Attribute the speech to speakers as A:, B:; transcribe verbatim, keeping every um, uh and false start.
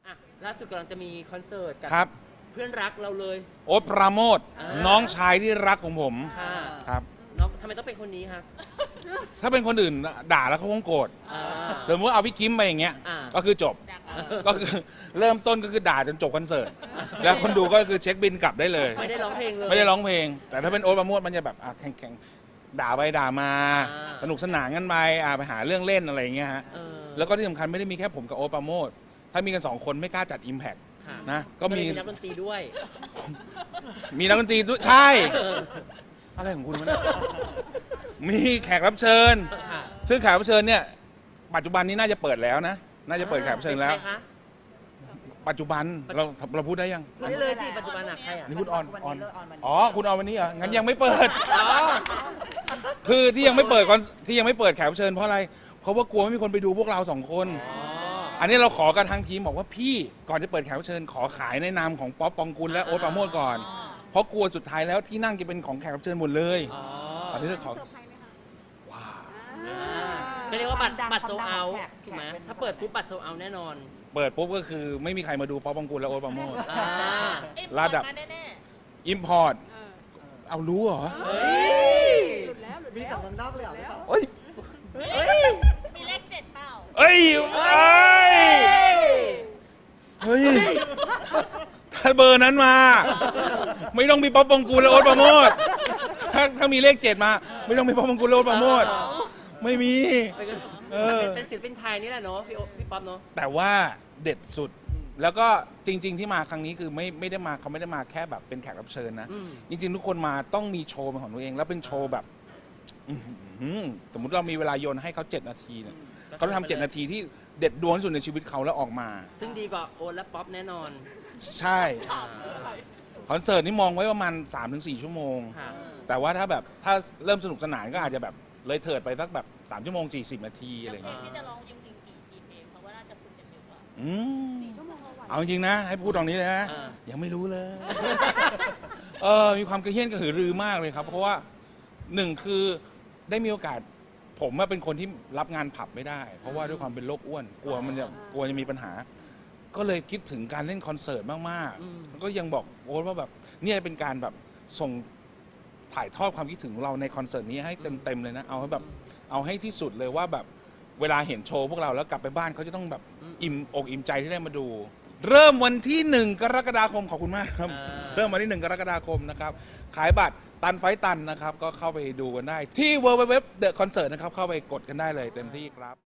A: อ่ะล่าสุดกำลังจะมีคอนเสิร์ตกับ
B: ครับ
A: เพื่อนรักเราเลย
B: โอ๊ตปราโมทย์
A: อ่า
B: น้องชายที่รักของผม
A: ค่ะ
B: ครับ
A: น้องทำไมต้องเป็นคนนี้ครับ
B: ถ้าเป็นคนอื่นด่าแล้วเขาคงโกรธ
A: อ่า
B: สมมติว่าเอาพี่คิมไปอย่างเงี้ย
A: อ่า
B: ก็คือจบ
A: อ่า
B: ก็คือเริ่มต้นก็คือด่าจนจบคอนเสิร์ตแล้วคนดูก็คือเช็คบินกลับได้เลย
A: ไม่ได้ร้องเพลงเลย
B: ไม่ได้ร้องเพลง แต่ถ้าเป็นโอ๊ตปราโมทย์มันจะแบบอ่ะแข่งๆด่าไปด่ามา
A: อ่า
B: สนุกสนานกันไปอ่ะไปหาเรื่องเล่นอะไรอย่างเงี้ยฮะ
A: เออ
B: แล้วก็ที่สำคัญไม่ได้มีแค่ผมกับโอ๊ตปราโมทย์ถ้ามีกันสองคนไม่กล้าจัด Impact
A: ค่ะ
B: นะก็มี
A: เลยนักดนตรีด้วย
B: มีนักดนตรีด้วยใช่
A: เออ
B: อะไรของคุณวะเนี่ยมีแขกรับเชิญ
A: ค่ะ
B: ซึ่งแขกรับเชิญเนี่ยปัจจุบันนี้น่าจะเปิดแล้วนะ น่าจะเปิดแขกรับเชิญแล้ว
A: ป็นใครคะ
B: ปัจจุบันเราเราพูดได้ยัง
A: ไม่ได้เลยสิปัจจุบันอะใครอะ
B: นี่คุณออนออน
C: วันนี้เลิกออนวันนี้
B: อ๋อคุณออนวันนี้เหรองั้นยังไม่เปิด
A: อ๋อ
B: คือที่ยังไม่เปิดก่อนที่ยังไม่เปิดแขกรับเชิญเพราะอะไรเพราะว่ากลัวไม่มีคนไปดูพวกเราสองคน
A: อ๋อ
B: อันนี้เราขอกันทางทีมบอกว่าพี่ก่อนจะเปิดแขกรับเชิญขอขายในนามของป๊อปปองกุลและโอ๊ตปราโมทย์ก่อน เพราะกลัวสุดท้ายแล้วที่นั่งจะเป็นของแขกรับเชิญหมดเลย
A: อ๋อ
B: อันนี้เราขอว้าว
A: อ่าก็เรียกว่าบัตร
C: ความดัง
A: บัตรโซ
C: ความดัง
A: เอา
C: ของแขก
A: ถูกไหม
C: แขกเป็น
A: ถ้าเปิดปุ๊บบัตรโซเอาแน่นอน
B: เปิดปุ๊บก็คือไม่มีใครมาดูป๊อปปองกุลและโอ๊ตปราโมทย์
A: อ่า
B: ระดับ
D: แน่
B: อิมพอร์ตเอารู้เหรอ
A: เฮ้ย
C: มีแต่เมืองนอกเลยเหรอพี่ต๊อบ
B: เอ้ย
A: เฮ้ย
D: ๆมีเลขเจ็ดเปล่า
B: เอ้ยเอ้ยเฮ้ยถ้าเบอร์นั้นมา ไม่ต้องมีป๊อปปองกูลและโอ๊ตปราโมทย์ถ้าถ้ามีเลขเจ็ดมา ไม่ต้องมีป๊อปปองกูลและโอ๊ตปราโมทย์ไม่มี เออ
A: เป็นศิลปินไทยนี่แหละเนาะพี่โอ๊ตพี่ป๊อปเนาะ
B: แต่ว่าเด็ดสุด แล้วก็จริง ๆ ที่มาครั้งนี้คือไม่ไม่ได้มาเขาไม่ได้มาแค่แบบเป็นแขกรับเชิญนะ
A: อืม
B: จริง ๆ ทุกคนมาต้องมีโชว์เป็นของตัวเอง แล้วเป็นโชว์แบบอื้อหือสมมุติเรามีเวลาโยนให้เขาเจ็ดนาทีเนี่ยเขาต้องทำเจ็ดนาทีที่เด็ดดวงที่สุดในชีวิตเขาแล้วออกมา
A: ซึ่งดีกว่าโอ๊ตและป๊อปแน่นอน
B: ใช่คอนเสิร์ตนี่มองไว้ประมาณ สามถึงสี่ ชั่วโมง
A: ค่ะ
B: แต่ว่าถ้าแบบถ้าเริ่มสนุกสนานก็อาจจะแบบเลยเถิดไปสักแบบสามชั่วโมงสี่สิบนาทีอะไร
D: แล้วเพล
B: เงี้
D: ง
B: ย
D: ที่จะร้องจริงๆกี่กี่เพลงเพราะว่าน่าจะฝึกกันเยอะกว่า
B: อืมเอาจริงๆนะ ให้พูดตรงนี้เลยนะ
A: อ่า
B: ยังไม่รู้เลย เออมีความกระเฮี้ยนกระหือรือมากเลยครับ เพราะว่าหนึ่งคือได้มีโอกาส ผมว่าเป็นคนที่รับงานผับไม่ได้ เพราะว่าด้วยความเป็นโรคอ้วน กลัวมันจะกลัวจะมีปัญหา ก็เลยคิดถึงการเล่นคอนเสิร์ตมาก
A: อืม
B: ๆแล้วก็ยังบอกโอ๊ตว่าแบบเนี่ยเป็นการแบบส่งถ่ายทอดความคิดถึงของเราในคอนเสิร์ตนี้ให้เต็มๆเลยนะ เอาให้แบบเอาให้ที่สุดเลยว่าแบบเวลาเห็นโชว์พวกเราแล้วกลับไปบ้านเขาจะต้องแบบอิ่มอกอิ่มใจที่ได้มาดู เริ่มวันที่หนึ่งกรกฎาคมขอบคุณมากครับ
A: อ่า
B: เริ่มวันที่หนึ่งกรกฎาคมนะครับ ขายบัตรตันไฟตันนะครับ ก็เข้าไปดูกันได้ที่ ดับเบิลยู ดับเบิลยู ดับเบิลยู ดอท เดอะ คอนเสิร์ต นะครับ เข้าไปกดกันได้เลยเต็มที่ครับ